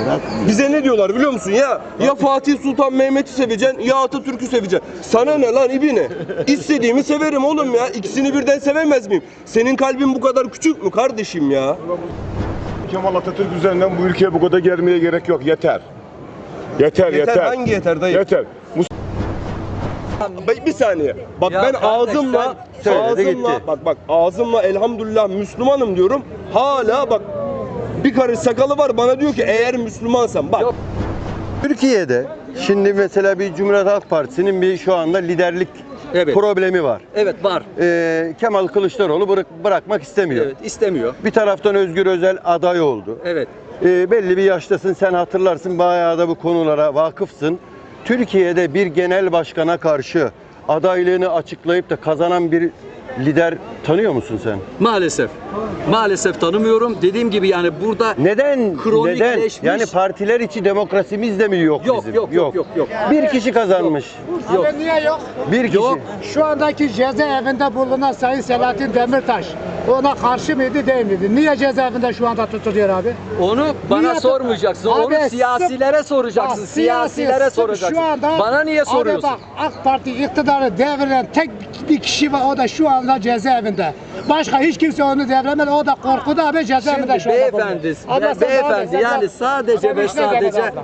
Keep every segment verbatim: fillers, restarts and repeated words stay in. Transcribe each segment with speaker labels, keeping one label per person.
Speaker 1: Bize ne diyorlar biliyor musun ya? Ya Fatih Sultan Mehmet'i seveceksin ya Atatürk'ü seveceksin. Sana ne lan ibine? İstediğimi severim oğlum ya. İkisini birden sevemez miyim? Senin kalbin bu kadar küçük mü kardeşim ya?
Speaker 2: Kemal Atatürk üzerinden bu ülkeye bu kadar gelmeye gerek yok. Yeter. Yeter, yeter.
Speaker 1: Yeter, hangi yeter dayı?
Speaker 2: Yeter.
Speaker 1: Bir saniye. Bak
Speaker 3: Ya
Speaker 1: ben
Speaker 3: kardeş,
Speaker 1: ağzımla
Speaker 3: sen
Speaker 1: ağzımla
Speaker 3: gitti.
Speaker 1: bak bak ağzımla elhamdülillah Müslümanım diyorum. Hala bak bir karış sakalı var bana diyor ki eğer Müslümansan bak.
Speaker 4: Türkiye'de şimdi mesela bir Cumhuriyet Halk Partisi'nin bir şu anda liderlik
Speaker 3: Evet.
Speaker 4: problemi var.
Speaker 3: Evet var.
Speaker 4: Ee, Kemal Kılıçdaroğlu bırak, bırakmak istemiyor.
Speaker 3: Evet istemiyor.
Speaker 4: Bir taraftan Özgür Özel aday oldu.
Speaker 3: Evet.
Speaker 4: Ee, belli bir yaştasın, sen hatırlarsın, bayağı da bu konulara vakıfsın. Türkiye'de bir genel başkana karşı adaylığını açıklayıp da kazanan bir lider tanıyor musun sen?
Speaker 3: Maalesef. Maalesef tanımıyorum. Dediğim gibi yani burada
Speaker 4: Neden? Neden?
Speaker 3: kronikleşmiş.
Speaker 4: Yani partiler içi demokrasimiz de mi yok,
Speaker 3: Yok,
Speaker 4: bizim?
Speaker 3: yok, yok, yok, yok.
Speaker 4: Bir kişi kazanmış.
Speaker 3: Yok.
Speaker 5: Abi niye yok?
Speaker 4: Bir kişi.
Speaker 3: Yok.
Speaker 5: Şu andaki cezaevinde bulunan Sayın Selahattin Demirtaş ona karşı mıydı değil miydi? Niye cezaevinde şu anda tutuluyor abi?
Speaker 3: Onu bana
Speaker 5: Niye-
Speaker 3: sormayacaksın.
Speaker 5: Abi,
Speaker 3: Onu siyasilere soracaksın.
Speaker 5: Bak,
Speaker 3: Siyasilere
Speaker 5: siyasi-
Speaker 3: soracaksın.
Speaker 5: Şu anda,
Speaker 3: Bana niye soruyorsun?
Speaker 5: Abi bak AK Parti iktidarı deviren tek bir kişi var, o da şu anda cezaevinde. Başka hiç kimse onu deviremez, o da korkuda abi cezaevinde
Speaker 3: Şimdi
Speaker 5: şu anda.
Speaker 3: beyefendi,
Speaker 5: bulunuyor. Abla sen devam et,
Speaker 3: beyefendi
Speaker 5: sen
Speaker 3: yani
Speaker 5: devam-
Speaker 3: sadece
Speaker 5: Sen
Speaker 3: ve
Speaker 5: işine gel
Speaker 3: sadece
Speaker 5: abla.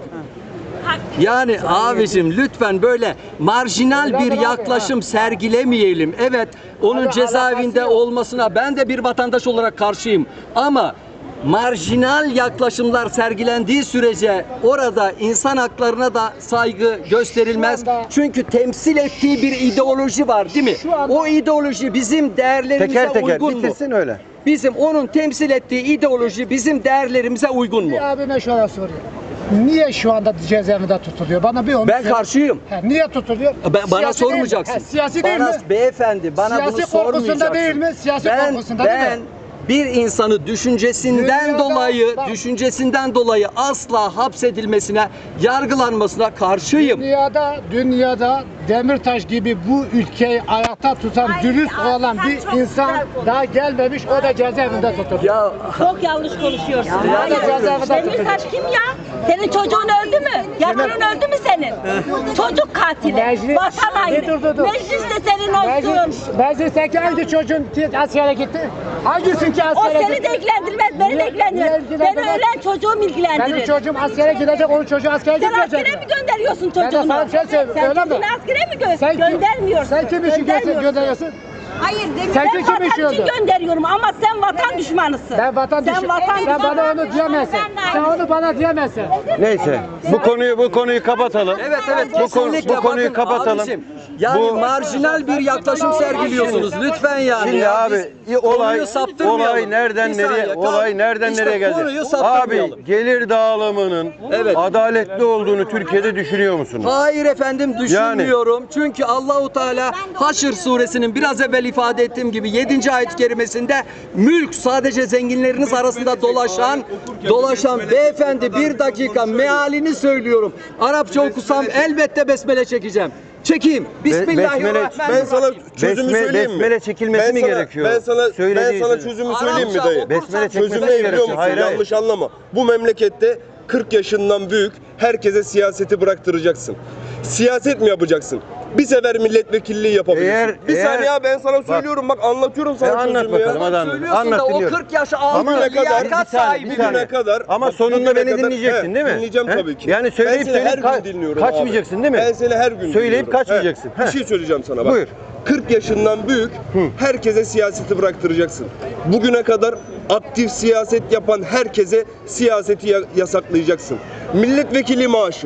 Speaker 3: yani abicim lütfen böyle marjinal bir yaklaşım sergilemeyelim. Evet, onun
Speaker 5: Abi,
Speaker 3: cezaevinde
Speaker 5: alakası yok.
Speaker 3: olmasına ben de bir vatandaş olarak karşıyım. Ama marjinal yaklaşımlar sergilendiği sürece orada insan haklarına da saygı gösterilmez.
Speaker 5: anda-
Speaker 3: Çünkü temsil ettiği bir ideoloji var, değil mi?
Speaker 5: Şu anda-
Speaker 3: O ideoloji bizim değerlerimize
Speaker 4: Teker teker
Speaker 3: uygun mu?
Speaker 4: bitirsin öyle.
Speaker 3: Bizim onun temsil ettiği ideoloji bizim değerlerimize uygun mu?
Speaker 5: Bir abime şöyle soruyor. Niye şu anda cezaevinde tutuluyor? Bana bir onu
Speaker 3: Ben
Speaker 5: söyle.
Speaker 3: karşıyım.
Speaker 5: He, niye tutuluyor?
Speaker 3: Ben, bana
Speaker 5: Siyasi değil mi?
Speaker 3: sormayacaksın.
Speaker 5: He, siyasi değil
Speaker 3: bana,
Speaker 5: mi?
Speaker 3: Beyefendi bana
Speaker 5: Siyasi
Speaker 3: bunu
Speaker 5: korkusunda
Speaker 3: sormayacaksın.
Speaker 5: değil mi? Siyasi
Speaker 3: ben,
Speaker 5: korkusunda
Speaker 3: ben
Speaker 5: değil mi?
Speaker 3: bir insanı düşüncesinden
Speaker 5: Dünyada-
Speaker 3: dolayı,
Speaker 5: bak-
Speaker 3: düşüncesinden dolayı asla hapsedilmesine, yargılanmasına karşıyım.
Speaker 5: Dünyada, dünyada Demirtaş gibi bu ülkeyi ayakta tutan,
Speaker 6: Ay,
Speaker 5: dürüst
Speaker 6: ay,
Speaker 5: olan
Speaker 6: sen
Speaker 5: bir
Speaker 6: çok
Speaker 5: insan
Speaker 6: güzel konuştun.
Speaker 5: daha gelmemiş, o da cezaevinde tutuluyor.
Speaker 3: Ya
Speaker 6: Çok yanlış konuşuyorsun.
Speaker 5: Ya,
Speaker 6: Hayır.
Speaker 5: ya, cezaevinde
Speaker 6: Demirtaş kim ya? Senin çocuğun öldü mü? Yavrun öldü mü senin? Çocuk katili.
Speaker 5: Meclis-
Speaker 6: Vatan haini.
Speaker 5: Dur, dur, dur.
Speaker 6: Meclis de senin olsun.
Speaker 5: Meclis, meclisteki hangi çocuğun ki askere gitti? Hangisi ki
Speaker 6: O
Speaker 5: askere
Speaker 6: seni
Speaker 5: gitti?
Speaker 6: de ilgilendirmez, beni
Speaker 5: Niye-
Speaker 6: de ilgilendirmez.
Speaker 5: niye
Speaker 6: Beni
Speaker 5: ilgilendirmez?
Speaker 6: ölen çocuğum
Speaker 5: Benim
Speaker 6: ilgilendirir.
Speaker 5: çocuğum askere gidecek, onun çocuğu askere
Speaker 6: Sen
Speaker 5: gitmeyecek.
Speaker 6: askere mi gönderiyorsun
Speaker 5: Ben de
Speaker 6: çocuğunu?
Speaker 5: sana bir şey söyleyeyim,
Speaker 6: Sen
Speaker 5: öyle mi?
Speaker 6: çocuğunu askere mi gö
Speaker 5: Sen kim-
Speaker 6: göndermiyorsun?
Speaker 5: Sen kim için
Speaker 6: Göndermiyorsun.
Speaker 5: gönderiyorsun?
Speaker 6: Hayır,
Speaker 5: Sen
Speaker 6: ben
Speaker 5: kim
Speaker 6: vatan
Speaker 5: için
Speaker 6: için
Speaker 5: gönder-
Speaker 6: gönderiyorum ama sen vatan düşmanısın.
Speaker 5: Ben vatan
Speaker 6: Sen
Speaker 5: düşün.
Speaker 6: vatan
Speaker 5: Sen bana
Speaker 6: düşmanı.
Speaker 5: onu diyemezsin. Sen onu bana diyemezsin.
Speaker 4: Neyse. Bu konuyu bu konuyu kapatalım.
Speaker 3: Evet evet
Speaker 4: Bu, konu,
Speaker 3: kesinlikle.
Speaker 4: bu konuyu
Speaker 3: Bakın
Speaker 4: kapatalım.
Speaker 3: abicim, yani
Speaker 4: Bu-
Speaker 3: marjinal bir yaklaşım sergiliyorsunuz lütfen yani.
Speaker 4: Şimdi
Speaker 3: Ya
Speaker 4: abi
Speaker 3: biz
Speaker 4: olay
Speaker 3: konuyu saptırmayalım.
Speaker 4: olay nereden
Speaker 3: Bir
Speaker 4: nereye
Speaker 3: saniye,
Speaker 4: olay nereden
Speaker 3: işte
Speaker 4: nereye geldi?
Speaker 3: konuyu saptırmayalım.
Speaker 4: Abi gelir dağılımının
Speaker 3: Evet.
Speaker 4: adaletli olduğunu Türkiye'de düşünüyor musunuz?
Speaker 3: Hayır efendim düşünmüyorum. Çünkü Allahu Teala Haşr suresinin biraz evvel ifade ettiğim gibi yedinci ayet-i kerimesinde mülk sadece zenginleriniz arasında dolaşan dolaşan beyefendi bir dakika mealini söylüyorum. Arapça okusam elbette besmele çekeceğim. Çekeyim. Bismillahirrahmanirrahim.
Speaker 1: Ben sana çözümü
Speaker 4: Besme-
Speaker 1: söyleyeyim mi?
Speaker 4: besmele çekilmesi
Speaker 1: Ben
Speaker 4: mi
Speaker 1: sana-
Speaker 4: gerekiyor?
Speaker 1: Ben sana ben
Speaker 4: Söylediği
Speaker 1: sana
Speaker 4: söyle.
Speaker 1: çözümü söyleyeyim mi
Speaker 3: Arapça
Speaker 1: dayı?
Speaker 3: okursan-
Speaker 4: Besmele çekmesi
Speaker 1: Çözüm ne biliyor
Speaker 4: gerekiyor.
Speaker 1: musun?
Speaker 4: Hayır, hayır.
Speaker 1: Yanlış anlama. Bu memlekette kırk yaşından büyük herkese siyaseti bıraktıracaksın. Siyaset mi yapacaksın? Bir sefer milletvekilliği yapabilirsin.
Speaker 4: Eğer-
Speaker 1: bir
Speaker 4: eğer-
Speaker 1: saniye ya ben sana söylüyorum bak, anlatıyorum
Speaker 4: E,
Speaker 1: sana
Speaker 4: anlat
Speaker 1: çözümü ya.
Speaker 4: bakalım hadi anlat.
Speaker 3: Söylüyorsun
Speaker 4: Anlat
Speaker 3: da o
Speaker 4: dinliyorum.
Speaker 3: kırk yaş altı
Speaker 4: Ama ne kadar-
Speaker 3: liyakat
Speaker 4: bir saniye,
Speaker 3: sahibi.
Speaker 4: bir saniye.
Speaker 1: Bugüne kadar
Speaker 4: Ama
Speaker 1: bak,
Speaker 4: sonunda
Speaker 1: bugüne
Speaker 4: beni
Speaker 1: kadar-
Speaker 4: dinleyeceksin
Speaker 1: He,
Speaker 4: değil mi?
Speaker 1: Dinleyeceğim
Speaker 4: He?
Speaker 1: tabii ki.
Speaker 4: Yani söyleyip
Speaker 1: ben seni her
Speaker 4: söyleyip ka-
Speaker 1: gün dinliyorum
Speaker 4: kaçmayacaksın
Speaker 1: abi.
Speaker 4: değil mi?
Speaker 1: Ben seni her gün
Speaker 4: Söyleyip
Speaker 1: dinliyorum.
Speaker 4: kaçmayacaksın.
Speaker 1: He,
Speaker 4: He.
Speaker 1: Bir şey söyleyeceğim sana bak.
Speaker 4: Buyur.
Speaker 1: kırk yaşından büyük herkese siyaseti bıraktıracaksın. Bugüne kadar aktif siyaset yapan herkese siyaseti ya- yasaklayacaksın. Milletvekili maaşı.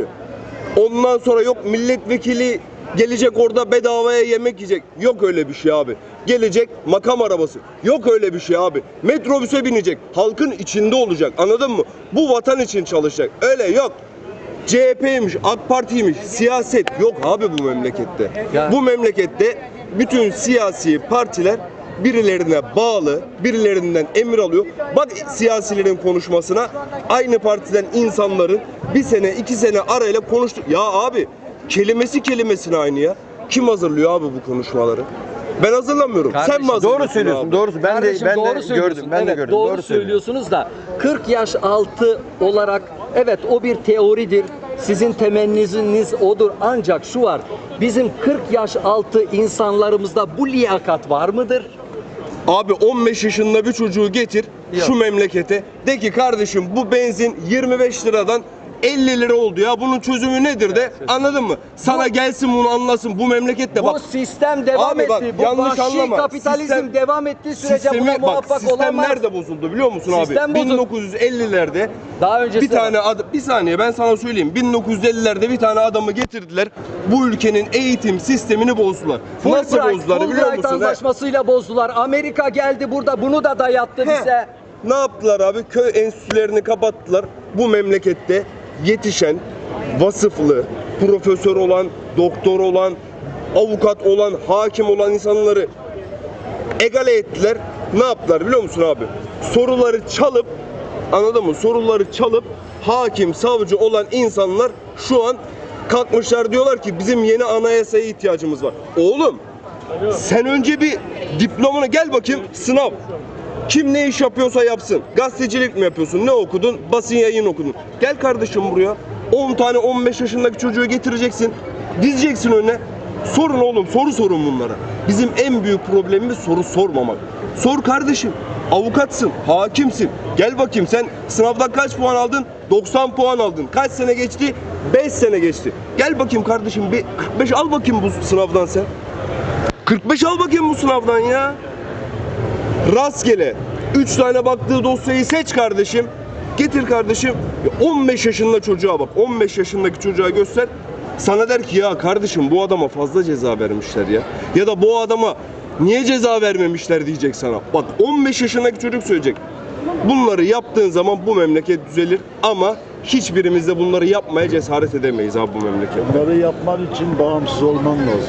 Speaker 1: Ondan sonra yok milletvekili gelecek orada bedavaya yemek yiyecek. Yok öyle bir şey abi. Gelecek makam arabası. Yok öyle bir şey abi. Metrobüse binecek. Halkın içinde olacak. Anladın mı? Bu vatan için çalışacak. Öyle yok. C H P'ymiş, AK Parti'ymiş, siyaset yok abi bu memlekette.
Speaker 3: Ya.
Speaker 1: Bu memlekette bütün siyasi partiler birilerine bağlı, birilerinden emir alıyor. Bak siyasilerin konuşmasına, aynı partiden insanların bir sene, iki sene arayla konuştu. Ya abi kelimesi kelimesine aynı ya. Kim hazırlıyor abi bu konuşmaları? Ben hazırlamıyorum. Sen
Speaker 3: Kardeşim,
Speaker 1: mi hazırlıyorsun
Speaker 4: Doğru söylüyorsun.
Speaker 1: abi?
Speaker 4: Doğru. Ben
Speaker 3: Kardeşim,
Speaker 4: de ben
Speaker 3: doğru
Speaker 4: de
Speaker 3: söylüyorsun.
Speaker 4: gördüm. Ben de
Speaker 3: Evet,
Speaker 4: gördüm.
Speaker 3: Doğru,
Speaker 4: Doğru söylüyorsun.
Speaker 3: söylüyorsunuz da kırk yaş altı olarak Evet, o bir teoridir. Sizin temenniniz odur. Ancak şu var. Bizim kırk yaş altı insanlarımızda bu liyakat var mıdır?
Speaker 1: Abi on beş yaşında bir çocuğu getir
Speaker 3: Yok.
Speaker 1: şu memlekete. De ki kardeşim bu benzin yirmi beş liradan elli lira oldu ya. Bunun çözümü nedir de, anladın mı? Sana gelsin bunu anlasın. Bu memlekette
Speaker 3: Bu
Speaker 1: bak.
Speaker 3: sistem devam
Speaker 1: Abi bak,
Speaker 3: etti. Bu
Speaker 1: yanlış
Speaker 3: vahşi
Speaker 1: anlama.
Speaker 3: kapitalizm
Speaker 1: Sistem-
Speaker 3: devam ettiği sürece
Speaker 1: Sistemi-
Speaker 3: buna
Speaker 1: bak,
Speaker 3: muvaffak
Speaker 1: sistem
Speaker 3: olamaz.
Speaker 1: nerede bozuldu biliyor musun
Speaker 3: Sistem
Speaker 1: abi?
Speaker 3: bozuldu.
Speaker 1: bin dokuz yüz ellilerde
Speaker 3: Daha öncesi
Speaker 1: bir tane ad- bir saniye ben sana söyleyeyim. bin dokuz yüz ellilerde bir tane adamı getirdiler. Bu ülkenin eğitim sistemini bozdular. Nasıl
Speaker 3: Fulbright,
Speaker 1: bozdular biliyor
Speaker 3: Fulbright
Speaker 1: musun? He?
Speaker 3: anlaşmasıyla bozdular. Amerika geldi burada bunu da dayattı
Speaker 1: He.
Speaker 3: bize.
Speaker 1: Ne yaptılar abi? Köy enstitülerini kapattılar. Bu memlekette yetişen, vasıflı, profesör olan, doktor olan, avukat olan, hakim olan insanları egale ettiler. Ne yaptılar biliyor musun abi? Soruları çalıp, anladın mı? Soruları çalıp hakim, savcı olan insanlar şu an kalkmışlar, diyorlar ki bizim yeni anayasaya ihtiyacımız var. Oğlum sen önce bir diplomanı gel bakayım, sınav. Kim ne iş yapıyorsa yapsın. Gazetecilik mi yapıyorsun? Ne okudun? Basın yayın okudun. Gel kardeşim buraya. on tane on beş yaşındaki çocuğu getireceksin. Dizeceksin önüne. Sorun oğlum, soru sorun bunlara. Bizim en büyük problemimiz soru sormamak. Sor kardeşim. Avukatsın, hakimsin. Gel bakayım, sen sınavdan kaç puan aldın? doksan puan aldın. Kaç sene geçti? beş sene geçti. Gel bakayım kardeşim, bir kırk beş al bakayım bu sınavdan sen. kırk beş al bakayım bu sınavdan ya. Rastgele üç tane baktığı dosyayı seç kardeşim. Getir kardeşim. Ya on beş yaşında çocuğa bak. on beş yaşındaki çocuğa göster. Sana der ki ya kardeşim bu adama fazla ceza vermişler ya. Ya da bu adama niye ceza vermemişler diyecek sana. Bak on beş yaşındaki çocuk söyleyecek. Bunları yaptığın zaman bu memleket düzelir ama hiçbirimiz de bunları yapmaya cesaret edemeyiz abi bu memleket.
Speaker 7: Bunları yapman için bağımsız olman lazım.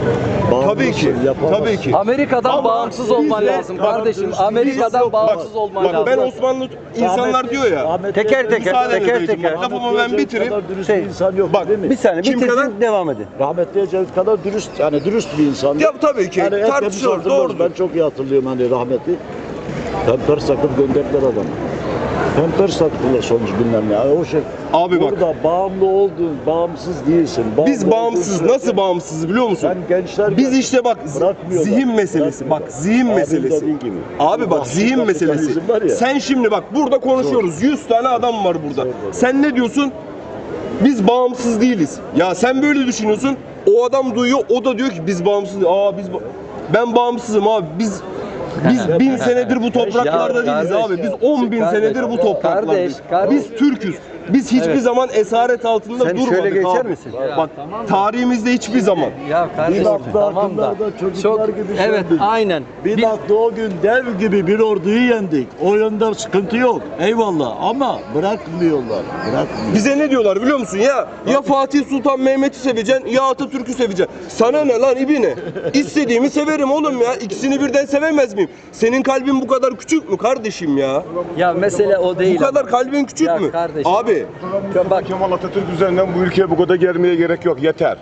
Speaker 1: Tabii ki.
Speaker 7: Bağımlısın, yapamazsın.
Speaker 1: Tabii ki.
Speaker 3: Amerika'dan
Speaker 1: Ama
Speaker 3: bağımsız olman
Speaker 1: biz de-
Speaker 3: lazım kardeşim.
Speaker 7: Biz
Speaker 3: Amerika'dan
Speaker 7: yok.
Speaker 3: bağımsız
Speaker 1: Bak,
Speaker 3: olman
Speaker 1: bak
Speaker 3: lazım.
Speaker 1: ben Osmanlı insanlar diyor ya.
Speaker 4: Teker teker,
Speaker 1: Müsaade
Speaker 4: teker
Speaker 1: edin
Speaker 4: teker.
Speaker 1: bak, lafımı ben bitireyim.
Speaker 7: kadar dürüst
Speaker 4: Şey,
Speaker 7: bir insan yok
Speaker 1: bak,
Speaker 7: değil mi?
Speaker 4: Bir saniye
Speaker 1: Kim
Speaker 4: bitirsin,
Speaker 1: kadar?
Speaker 4: devam edin.
Speaker 7: Rahmetli Ecevit kadar dürüst, yani dürüst bir insan.
Speaker 1: Ya tabii ki,
Speaker 7: hepimiz
Speaker 1: tartışılır,
Speaker 7: hatırlarız.
Speaker 1: doğrudur.
Speaker 7: Ben çok iyi hatırlıyorum hani rahmetli. Pemper sakıp gönderdiler adamı. Pemper saktılar sonuç bilmem ne. Yani o şey.
Speaker 1: Abi bak.
Speaker 7: Burada bağımlı olduğun, bağımsız değilsin. Bağımlı
Speaker 1: Biz bağımsız,
Speaker 7: olduğun
Speaker 1: nasıl
Speaker 7: sürece-
Speaker 1: bağımsız biliyor musun?
Speaker 7: Sen gençler
Speaker 1: Biz işte bak z-
Speaker 7: bırakmıyorlar,
Speaker 1: zihin meselesi. Bak
Speaker 7: bırakmıyorlar.
Speaker 1: zihin
Speaker 7: Abim
Speaker 1: meselesi.
Speaker 7: dediği gibi.
Speaker 1: Abi bak
Speaker 7: Vahşi
Speaker 1: zihin meselesi.
Speaker 7: kapitalizm var ya.
Speaker 1: Sen şimdi bak burada konuşuyoruz. yüz tane adam var burada. Sen ne diyorsun? Biz bağımsız değiliz. Ya sen böyle düşünüyorsun. O adam duyuyor. O da diyor ki biz bağımsız. Aa biz ba- ben bağımsızım abi. Biz biz bin senedir bu topraklarda
Speaker 3: Ya
Speaker 1: değiliz
Speaker 3: kardeş,
Speaker 1: abi. Biz on bin
Speaker 3: kardeş,
Speaker 1: senedir bu topraklardayız.
Speaker 3: kardeş, kardeş.
Speaker 1: Biz Türk'üz. Biz hiçbir
Speaker 3: Evet.
Speaker 1: zaman esaret altında
Speaker 4: Sen
Speaker 1: durmadık
Speaker 4: şöyle geçer
Speaker 1: abi.
Speaker 4: misin?
Speaker 1: Bak tarihimizde hiçbir zaman.
Speaker 3: Ya kardeşim
Speaker 7: Bir hafta
Speaker 3: tamam da.
Speaker 7: hakkında çocuklar gibi
Speaker 3: evet
Speaker 7: söyledik.
Speaker 3: aynen.
Speaker 7: Bir
Speaker 3: Bir-
Speaker 7: baktı o gün dev gibi bir orduyu yendik. O yönde sıkıntı yok. Eyvallah ama bırakmıyorlar. Bırakmıyor.
Speaker 1: Bize ne diyorlar biliyor musun ya? Ya Fatih Sultan Mehmet'i seveceksin ya Atatürk'ü seveceksin. Sana ne lan ibine? İstediğimi severim oğlum ya. İkisini birden sevemez miyim? Senin kalbin bu kadar küçük mü kardeşim ya?
Speaker 3: Ya mesele o değil.
Speaker 1: Bu kadar
Speaker 3: ama.
Speaker 1: kalbin küçük
Speaker 3: Ya
Speaker 1: mü?
Speaker 3: kardeşim.
Speaker 1: Abi
Speaker 3: Bak
Speaker 2: Kemal Atatürk üzerinden bu ülkeye bu kadar germeye gerek yok. Yeter.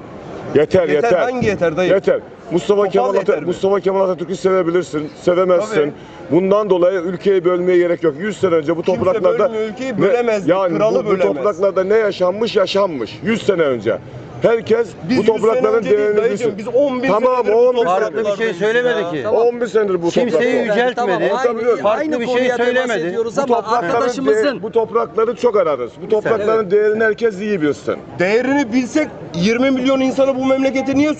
Speaker 2: Yeter,
Speaker 1: yeter,
Speaker 2: yeter.
Speaker 1: hangi yeter dayı?
Speaker 2: Yeter. Mustafa
Speaker 1: Topal
Speaker 2: Kemal,
Speaker 1: yeter
Speaker 2: Atatürk,
Speaker 1: mi?
Speaker 2: Mustafa Kemal Atatürk'ü sevebilirsin, sevemezsin.
Speaker 1: Tabii.
Speaker 2: Bundan dolayı ülkeyi bölmeye gerek yok. yüz sene önce bu
Speaker 1: Kimse
Speaker 2: topraklarda
Speaker 1: bölmüyor, ülkeyi bölemezdi,
Speaker 2: yani
Speaker 1: kralı
Speaker 2: bu, bu
Speaker 1: bölemez.
Speaker 2: topraklarda ne yaşanmış yaşanmış yüz sene önce. Herkes
Speaker 1: Biz
Speaker 2: bu
Speaker 1: yüz sene
Speaker 2: toprakların
Speaker 1: önce değil
Speaker 2: değerini
Speaker 1: dayıcım,
Speaker 2: bilsin.
Speaker 1: biz on bin
Speaker 2: Tamam,
Speaker 1: senedir bu
Speaker 2: on bin
Speaker 1: topraklardayız
Speaker 4: Farklı bir şey
Speaker 1: ya.
Speaker 4: söylemedi ki.
Speaker 3: Tamam.
Speaker 2: on bir senedir bu
Speaker 4: Kimseyi
Speaker 2: topraklarda.
Speaker 4: yüceltmedi.
Speaker 3: Tamam, aynı,
Speaker 2: Tabii,
Speaker 3: aynı
Speaker 4: bir şey
Speaker 3: konuya temas
Speaker 4: söylemedi.
Speaker 3: ediyoruz
Speaker 2: Bu
Speaker 3: ama
Speaker 2: toprakların,
Speaker 3: arkadaşımızın
Speaker 2: de- bu toprakları çok ararız. Bu toprakların değerini herkes iyi bilsin.
Speaker 1: Değerini bilsek yirmi milyon insanı bu memlekete niye